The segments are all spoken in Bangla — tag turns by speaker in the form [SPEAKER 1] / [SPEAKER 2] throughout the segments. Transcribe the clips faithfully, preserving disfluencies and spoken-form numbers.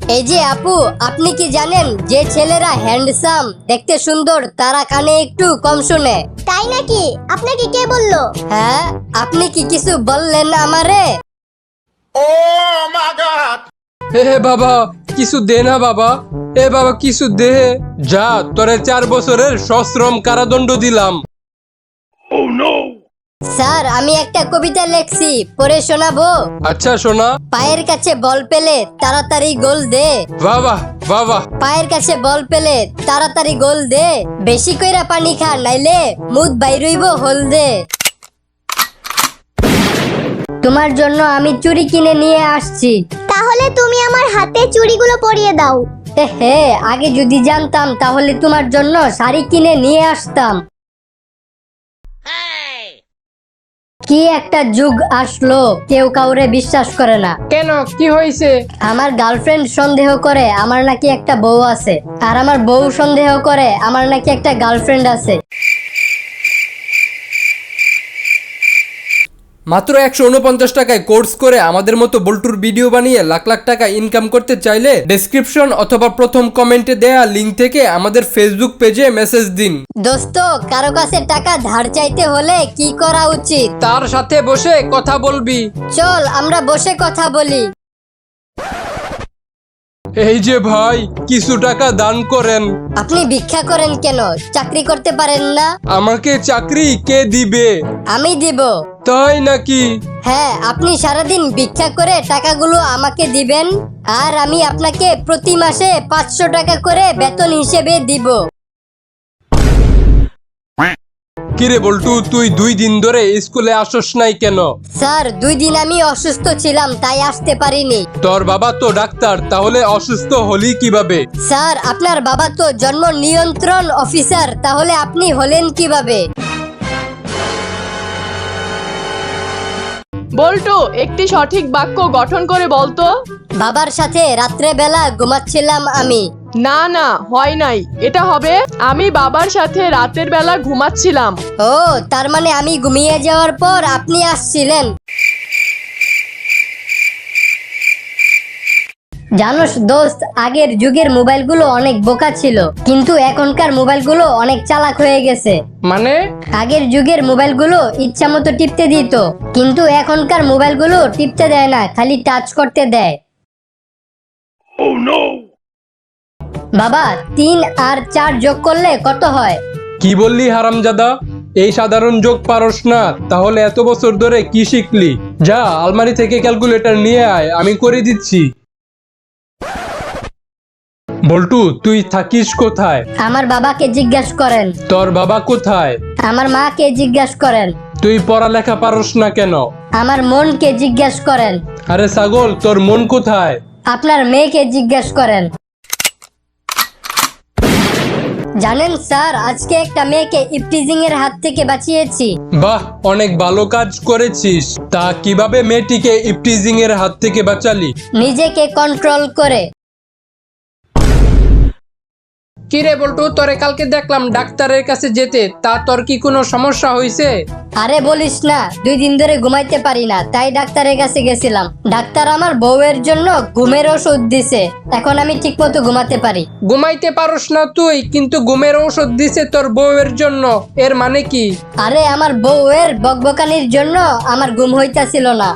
[SPEAKER 1] এই যে আপু, আপনি কি জানেন যে ছেলেরা হ্যান্ডসাম, দেখতে সুন্দর, তারা কানে একটু কম শুনে?
[SPEAKER 2] তাই নাকি? আপনাকে কে বললো?
[SPEAKER 1] হ্যাঁ, আপনি কি কিছু বললেন আমারে?
[SPEAKER 3] হে হে বাবা, কিছু দে না বাবা। এ বাবা কিছু দে। যা, তোরে চার বছরের সশ্রম কারাদণ্ড দিলাম।
[SPEAKER 1] স্যার, আমি একটা কবিতা লেখছি, পড়ে শোনাবো?
[SPEAKER 3] আচ্ছা শোনা।
[SPEAKER 1] পায়ের কাছে বল পেলে তাড়াতাড়ি গোল দে।
[SPEAKER 3] বাবা বাবা।
[SPEAKER 1] পায়ের কাছে বল পেলে তাড়াতাড়ি গোল দে। বেশি কইরা পানি খা, নাইলে মুদ বাইরইব হল দে। তোমার জন্য আমি চুড়ি কিনে নিয়ে আসছি।
[SPEAKER 2] তাহলে তুমি আমার হাতে চুড়িগুলো পরিয়ে দাও।
[SPEAKER 1] হে, আগে যদি জানতাম তাহলে তোমার জন্য শাড়ি কিনে নিয়ে আসতাম। কি একটা যুগ আসলো, কেউ কাউরে বিশ্বাস করে না।
[SPEAKER 4] কেন, কি হয়েছে?
[SPEAKER 1] আমার গার্লফ্রেন্ড সন্দেহ করে আমার নাকি একটা বউ আছে, আর আমার বউ সন্দেহ করে আমার নাকি একটা গার্লফ্রেন্ড আছে।
[SPEAKER 3] মাত্র একশো উনপঞ্চাশ টাকায় কোর্স করে আমাদের মতো বল্টুর ভিডিও বানিয়ে লাখ লাখ টাকা ইনকাম করতে চাইলে ডেসক্রিপশন অথবা প্রথম কমেন্টে দেয়া লিংক থেকে আমাদের ফেসবুক পেজে মেসেজ দিন।
[SPEAKER 1] দোস্ত, কারো কাছে টাকা ধার চাইতে হলে কি করা উচিত?
[SPEAKER 3] তার সাথে বসে কথা বলবি।
[SPEAKER 1] চল আমরা বসে কথা বলি।
[SPEAKER 3] এই যে ভাই, কিছু টাকা দান করেন।
[SPEAKER 1] আপনি ভিক্ষা করেন কেন? চাকরি করতে পারেন না?
[SPEAKER 3] আমাকে চাকরি কে দিবে?
[SPEAKER 1] আমি দিব।
[SPEAKER 3] তাই নাকি?
[SPEAKER 1] হ্যাঁ, আপনি সারাদিন ভিক্ষা করে টাকাগুলো আমাকে দিবেন, আর আমি আপনাকে প্রতি মাসে পাঁচশো টাকা করে বেতন হিসেবে দিব।
[SPEAKER 3] কিরে বল্টু, তুই দুই দিন ধরে স্কুলে আসস নাই কেন?
[SPEAKER 1] স্যার, দুই দিন আমি অসুস্থ ছিলাম, তাই আসতে পারিনি।
[SPEAKER 3] তোর বাবা তো ডাক্তার, তাহলে অসুস্থ হলি কিভাবে?
[SPEAKER 1] স্যার, আপনার বাবা তো জন্ম নিয়ন্ত্রণ অফিসার, তাহলে আপনি হলেন কিভাবে?
[SPEAKER 4] বল্টু, একটি সঠিক বাক্য গঠন করে বলতো।
[SPEAKER 1] বাবার সাথে রাত্রে বেলা ঘুমাচ্ছিলাম আমি।
[SPEAKER 4] না না, হয় নাই। এটা হবে, আমি বাবার সাথে রাতের বেলা ঘুমাচ্ছিলাম।
[SPEAKER 1] ও, তার মানে আমি ঘুমিয়ে যাওয়ার পর আপনি আসছিলেন। জানোস দোস্ত, আগের যুগের মোবাইলগুলো অনেক বোকা ছিল, কিন্তু এখনকার মোবাইলগুলো অনেক চালাক হয়ে গেছে।
[SPEAKER 4] মানে?
[SPEAKER 1] আগের যুগের মোবাইলগুলো ইচ্ছা মতো টিপতে দিত, কিন্তু এখনকার মোবাইলগুলো টিপতে দেয় না, খালি টাচ করতে দেয়। বাবা, তিন আর চার যোগ করলে কত হয়?
[SPEAKER 3] কি বললি হারামজাদা? এই সাধারণ যোগ পারস না, তাহলে এত বছর ধরে কি শিখলি? যা, আলমারি থেকে ক্যালকুলেটর নিয়ে আয়, আমি করে দিচ্ছি। বল্টু, তুই থাকিস কোথায়?
[SPEAKER 1] আমার বাবাকে জিজ্ঞাসা করেন।
[SPEAKER 3] তোর বাবা কোথায়?
[SPEAKER 1] আমার মাকে জিজ্ঞাসা করেন।
[SPEAKER 3] তুই পড়ালেখা পারস না কেন?
[SPEAKER 1] আমার মনকে জিজ্ঞাসা করেন।
[SPEAKER 3] আরে ছাগল, তোর মন কোথায়?
[SPEAKER 1] আপনার মেয়েকে জিজ্ঞাসা করেন। জানেন স্যার, আজকে একটা মেয়েকে ইফটিজিং এর হাত থেকে বাঁচিয়েছি।
[SPEAKER 3] বাহ, অনেক ভালো কাজ করেছিস। তা কিভাবে মেয়েটিকে ইফটিজিং এর হাত থেকে বাঁচালি?
[SPEAKER 1] নিজেকে কন্ট্রোল করে।
[SPEAKER 4] কিরে বল্টু, তোরে কালকে দেখলাম ডাক্তারের কাছে যেতে, তা তোর কি কোনো সমস্যা হয়েছে?
[SPEAKER 1] আরে বলিস না, দুই দিন ধরে ঘুমাইতে পারি না, তাই ডাক্তারের কাছে গেছিলাম। ডাক্তার আমার বউয়ের জন্য ঘুমের ওষুধ দিছে, এখন আমি ঠিক মতো ঘুমাতে পারি।
[SPEAKER 4] ঘুমাইতে পারস না তুই, কিন্তু ঘুমের ঔষধ দিছে তোর বউয়ের জন্য, এর মানে কি?
[SPEAKER 1] আরে আমার বউয়ের বকবকানির জন্য আমার ঘুম হইতাছিল না।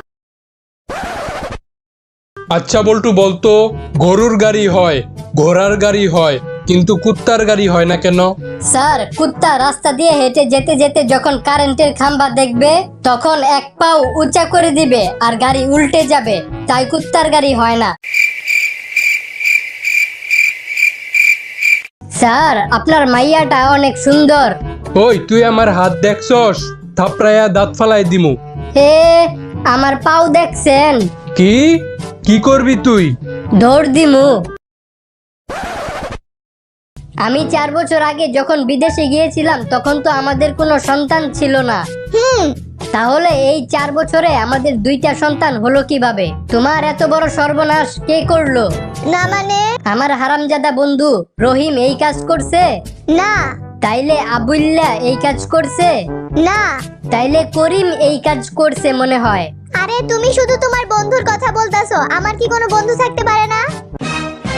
[SPEAKER 3] আচ্ছা বল্টু, বলতো, গরুর গাড়ি হয়, ঘোড়ার গাড়ি হয়, কিন্তু কুত্তার গাড়ি হয় না কেন?
[SPEAKER 1] স্যার, কুত্তা রাস্তা দিয়ে হেঁটে যেতে যেতে যখন কারেন্টের খাম্বা দেখবে, তখন এক পাও উঁচা করে দিবে আর গাড়ি উল্টে যাবে, তাই কুত্তার গাড়ি হয় না। স্যার, আপনার মাইয়াটা অনেক সুন্দর।
[SPEAKER 3] ওই, তুই আমার হাত দেখছস? থাপড়াইয়া দাঁত ফালাই দিমু।
[SPEAKER 1] হে, আমার পাও দেখছেন?
[SPEAKER 3] কি কি করবি তুই?
[SPEAKER 1] দৌড় দিমু। আমি চার বছর আগে যখন বিদেশে গিয়েছিলাম, তখন তো আমাদের কোনো সন্তান ছিল না।
[SPEAKER 2] হুম
[SPEAKER 1] তাহলে এই চার বছরে আমাদের দুইটা সন্তান হলো কিভাবে? তোমার এত বড় সর্বনাশ কে করলো?
[SPEAKER 2] না মানে?
[SPEAKER 1] আমার হারামজাদা বন্ধু রহিম এই কাজ করছে?
[SPEAKER 2] না
[SPEAKER 1] তাইলে আবুল্লাহ এই কাজ করছে?
[SPEAKER 2] না।
[SPEAKER 1] তাইলে করিম এই কাজ করছে মনে হয়।
[SPEAKER 2] আরে তুমি শুধু তোমার বন্ধুর কথা বলতাছো, আমার কি কোনো বন্ধু থাকতে পারে না?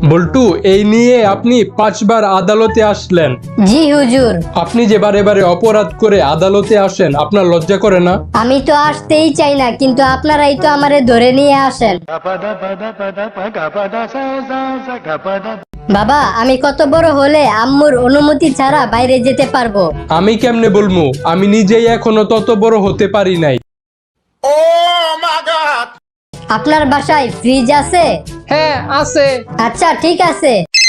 [SPEAKER 3] বল্টু, এই নিয়ে আপনি পাঁচবার আদালতে আসলেন।
[SPEAKER 1] জি হুজুর।
[SPEAKER 3] আপনি যে বারে বারে অপরাধ করে আদালতে আসেন, আপনার লজ্জা করে না?
[SPEAKER 1] আমি তো আসতেই চাই না, কিন্তু আপনারাই তো আমারে ধরে নিয়ে আসেন। বাবা, আমি কত বড় হলে আম্মুর অনুমতি ছাড়া বাইরে যেতে পারবো?
[SPEAKER 3] আমি কেমনে বলবো? আমি নিজেই এখনো তত বড় হতে পারি নাই।
[SPEAKER 1] আপনার বাসায় ফ্রিজ আছে?
[SPEAKER 4] হ্যাঁ আছে।
[SPEAKER 1] আচ্ছা ঠিক আছে।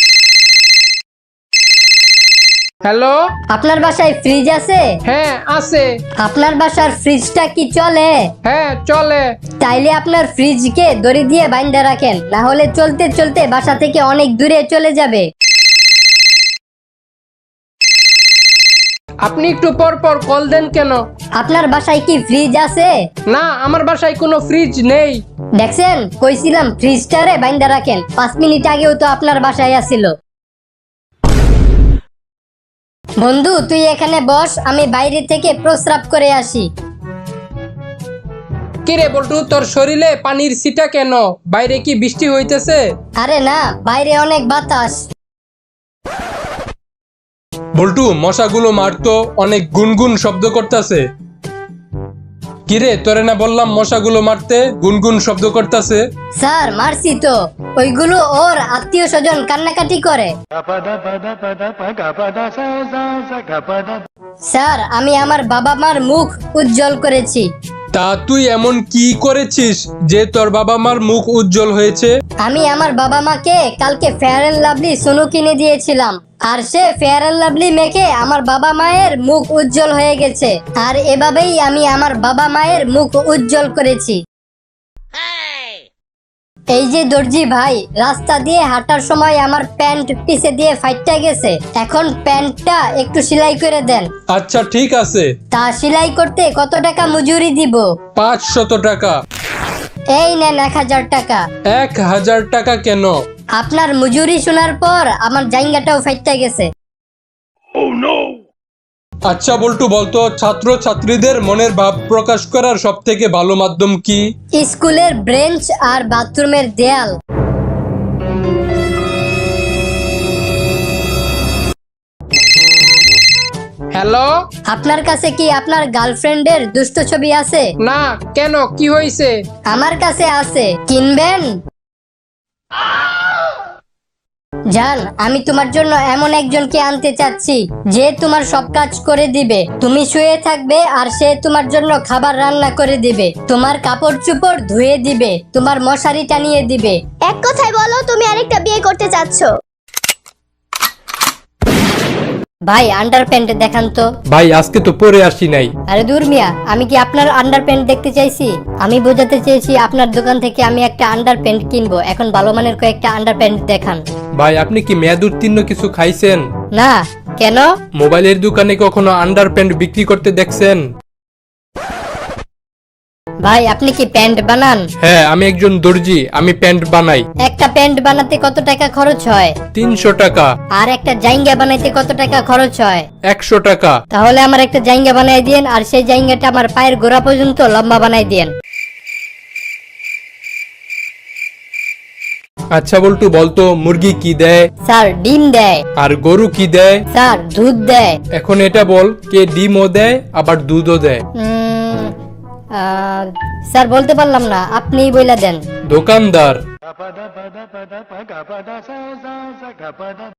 [SPEAKER 4] হ্যালো।
[SPEAKER 1] আপনার বাসায় ফ্রিজ আছে?
[SPEAKER 4] হ্যাঁ আছে।
[SPEAKER 1] আপনার বাসার ফ্রিজটা কি চলে?
[SPEAKER 4] হ্যাঁ চলে।
[SPEAKER 1] তাইলে আপনার ফ্রিজকে দড়ি দিয়ে বাইন্ধা রাখেন, না হলে চলতে চলতে বাসা থেকে অনেক দূরে চলে যাবে।
[SPEAKER 4] আপনি একটু পর পর কল দেন কেন?
[SPEAKER 1] আপনার বাসায় কি ফ্রিজ আছে?
[SPEAKER 4] না, আমার বাসায় কোনো ফ্রিজ নেই।
[SPEAKER 1] দেখছেন, কইছিলাম ফ্রিজটারে বাইন্ধা রাখেন। পাঁচ মিনিট আগেও তো আপনার বাসায় আসিল। বন্ধু, তুই এখানে বস, আমি বাইরে থেকে প্রস্রাব করে আসি।
[SPEAKER 4] কিরে বল্টু, তোর শরীরে পানির ছিটা কেন? বাইরে কি বৃষ্টি হইতেছে?
[SPEAKER 1] আরে না, বাইরে অনেক বাতাস।
[SPEAKER 3] বল্টু, মশাগুলো মারতো, অনেক গুনগুন শব্দ করতেছে। কিরে, তোরে না বললাম মশাগুলো মারতে? গুনগুন শব্দ করতেছে।
[SPEAKER 1] স্যার, মারছি তো। ওইগুলো ওর আত্মীয় স্বজন কান্নাকাটি করে। স্যার, আমি আমার বাবা মার মুখ উজ্জ্বল করেছি।
[SPEAKER 3] তা তুই এমন কি করেছিস যে তোর বাবা মার মুখ উজ্জ্বল হয়েছে?
[SPEAKER 1] আমি আমার বাবা মাকে কালকে ফেয়ার এন্ড লাভলি সোনু কিনে দিয়েছিলাম, আর সে ফেয়ার এন্ড লাভলি মেখে আমার বাবা মায়ের মুখ উজ্জ্বল হয়ে গেছে। আর এভাবেই আমি আমার বাবা মায়ের মুখ উজ্জ্বল করেছি। এই যে দর্জি ভাই, রাস্তা দিয়ে হাঁটার সময় আমার প্যান্ট পিছে দিয়ে ফাইটটা গেছে, এখন প্যান্টটা একটু সেলাই করে দেন।
[SPEAKER 3] আচ্ছা ঠিক আছে।
[SPEAKER 1] তা সেলাই করতে কত টাকা মজুরি দিব?
[SPEAKER 3] পাঁচশত টাকা।
[SPEAKER 1] এই নেন এক হাজার টাকা।
[SPEAKER 3] এক হাজার টাকা কেন?
[SPEAKER 1] আপনার মজুরি শোনার পর আমার জাইঙ্গাটাও ফাইটটা গেছে।
[SPEAKER 3] আচ্ছা বল্টু, বলতো ছাত্র ছাত্রীদের মনের ভাব প্রকাশ করার সব থেকে ভালো মাধ্যম কি?
[SPEAKER 1] স্কুলের ব্রেঞ্চ আর বাথরুমের দেয়াল।
[SPEAKER 4] হ্যালো।
[SPEAKER 1] আপনার কাছে কি আপনার গার্লফ্রেন্ডের দুষ্ট ছবি আছে?
[SPEAKER 4] না, কেন, কি হয়েছে?
[SPEAKER 1] আমার কাছে আছে, কিনবেন? জান, আমি তোমার জন্য এমন একজনকে আনতে চাচ্ছি যে তোমার সব কাজ করে দিবে। তুমি শুয়ে থাকবে আর সে তোমার জন্য খাবার রান্না করে দিবে, তোমার কাপড় চোপড় ধুয়ে দিবে, তোমার মশারি টানিয়ে দিবে।
[SPEAKER 2] এক কথায় বলো, তুমি আরেকটা বিয়ে করতে চাচ্ছ?
[SPEAKER 1] ভাই, আন্ডার প্যান্ট দেখান তো।
[SPEAKER 3] ভাই, আজকে তো পরে আসি নাই।
[SPEAKER 1] আরে দূর মিয়া, আমি কি আপনার আন্ডার প্যান্ট দেখতে চাইছি? আমি বোঝাতে চেয়েছি আপনার দোকান থেকে আমি একটা আন্ডার প্যান্ট কিনবো। এখন ভালো মানের কয়েকটা আন্ডার প্যান্ট দেখান।
[SPEAKER 3] ভাই, আপনি কি মেয়াদ উত্তীর্ণ কিছু খাইছেন?
[SPEAKER 1] না, কেন?
[SPEAKER 3] মোবাইলের দোকানে কখনো আন্ডার প্যান্ট বিক্রি করতে দেখছেন?
[SPEAKER 1] ভাই, আপনি কি প্যান্ট বানান?
[SPEAKER 3] হ্যাঁ, আমি একজন দর্জি, আমি প্যান্ট বানাই।
[SPEAKER 1] একটা প্যান্ট বানাতে কত টাকা খরচ হয়?
[SPEAKER 3] তিনশো টাকা।
[SPEAKER 1] আর একটা জাইঙ্গা বানাইতে কত টাকা খরচ হয়?
[SPEAKER 3] একশো টাকা।
[SPEAKER 1] তাহলে আমার একটা জাইঙ্গা বানাই দিয়েন, আর সেই জাইঙ্গাটা আমার পায়ের গোড়া পর্যন্ত লম্বা বানাই দিয়েন।
[SPEAKER 3] আচ্ছা বল্টু, বলতো মুরগি কি দেয়?
[SPEAKER 1] স্যার, ডিম দেয়।
[SPEAKER 3] আর গরু কি দেয়?
[SPEAKER 1] স্যার, দুধ দেয়।
[SPEAKER 3] এখন এটা বল, কে ডিমও দেয় আবার দুধও দেয়?
[SPEAKER 1] উম, আহ, স্যার বলতে পারলাম না, আপনিই বইলা দেন।
[SPEAKER 3] দোকানদার।